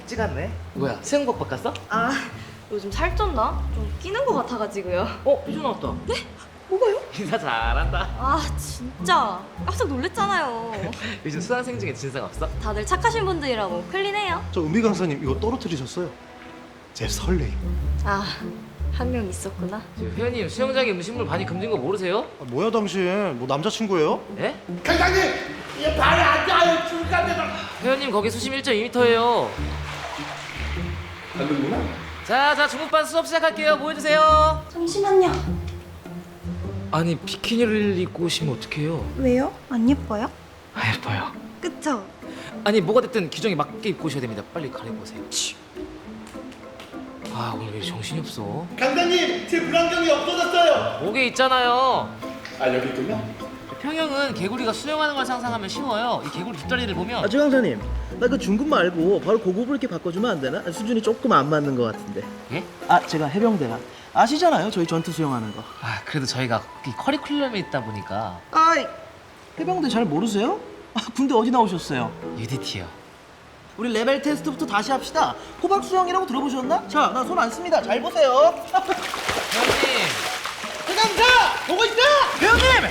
묵지 같네. 뭐야, 수영복 바꿨어? 아, 요즘 살쪘나? 좀 끼는 것 같아가지고요. 이준 나왔다. 네? 뭐가요? 인사 잘한다. 아, 진짜 깜짝 놀랬잖아요. 요즘 수강생 중에 진상 없어? 다들 착하신 분들이라고 클린해요. 저 은비 강사님 이거 떨어뜨리셨어요. 제 설레임. 아, 한 명 있었구나. 회원님, 수영장에 음식물 반입 금지인 거 모르세요? 아, 뭐야 당신? 뭐 남자친구예요? 예? 강장님, 이 발이 안 닿아요. 중간에다. 회원님, 거기 수심 1.2m예요. 안 되구나. 자, 중국반 수업 시작할게요. 모여주세요. 잠시만요. 아니, 비키니를 입고 오시면 어떡해요? 왜요? 안 예뻐요? 아, 예뻐요. 그쵸? 아니, 뭐가 됐든 규정에 맞게 입고 오셔야 됩니다. 빨리 갈아입으세요. 아, 오늘 왜 정신이 없어? 강장님, 제 불안경이 없어졌어요. 목에 있잖아요. 아, 여기 있군요. 평형은 개구리가 수영하는 걸 상상하면 쉬워요. 이 개구리 뒷다리를 보면 최 강사님, 나 그 중급 말고 바로 고급으로 이렇게 바꿔주면 안 되나? 수준이 조금 안 맞는 것 같은데. 예? 제가 해병대라 아시잖아요, 저희 전투 수영하는 거. 그래도 저희가 이 커리큘럼에 있다 보니까 해병대 잘 모르세요? 군대 어디 나오셨어요? UDT요. 우리 레벨 테스트부터 다시 합시다. 호박 수영이라고 들어보셨나? 자, 나 손 안 씁니다. 잘 보세요. 회원님, 해강사 보고 있다. 배우님.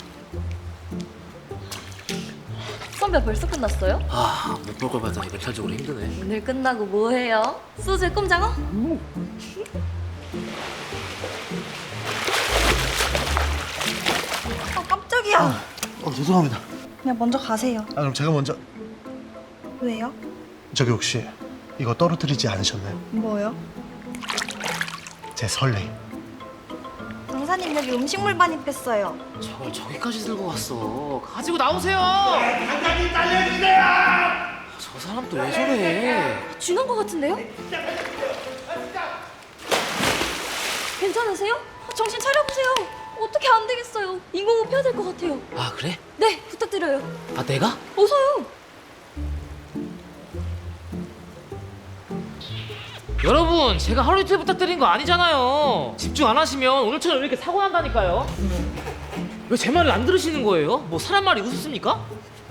선배 벌써 끝났어요? 못 볼 걸 봤더니 멘탈적으로 힘드네. 오늘 끝나고 뭐 해요? 소주에 꼼장어? 깜짝이야. 죄송합니다. 그냥 먼저 가세요. 그럼 제가 먼저. 왜요? 저기 혹시 이거 떨어뜨리지 않으셨나요? 뭐요? 제 설레임. 강사님 여기 음식물 반입했어요. 저걸 저기까지 들고 왔어. 가지고 나오세요. 강장님 살려주세요. 저 사람 또 왜 저래? 쥐난 것 같은데요? 괜찮으세요? 정신 차려보세요. 어떻게 안 되겠어요. 인공호흡 해야 될 것 같아요. 아, 그래? 네, 부탁드려요. 내가? 어서요. 여러분, 제가 하루 이틀 부탁드린 거 아니잖아요. 집중 안 하시면 오늘처럼 이렇게 사고 난다니까요. 왜 제 말을 안 들으시는 거예요? 뭐 사람 말이 우습습니까?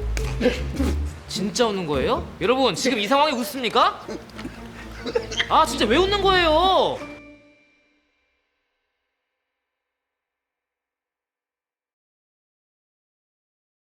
진짜 웃는 거예요? 여러분, 지금 이 상황에 웃습니까? 진짜 왜 웃는 거예요?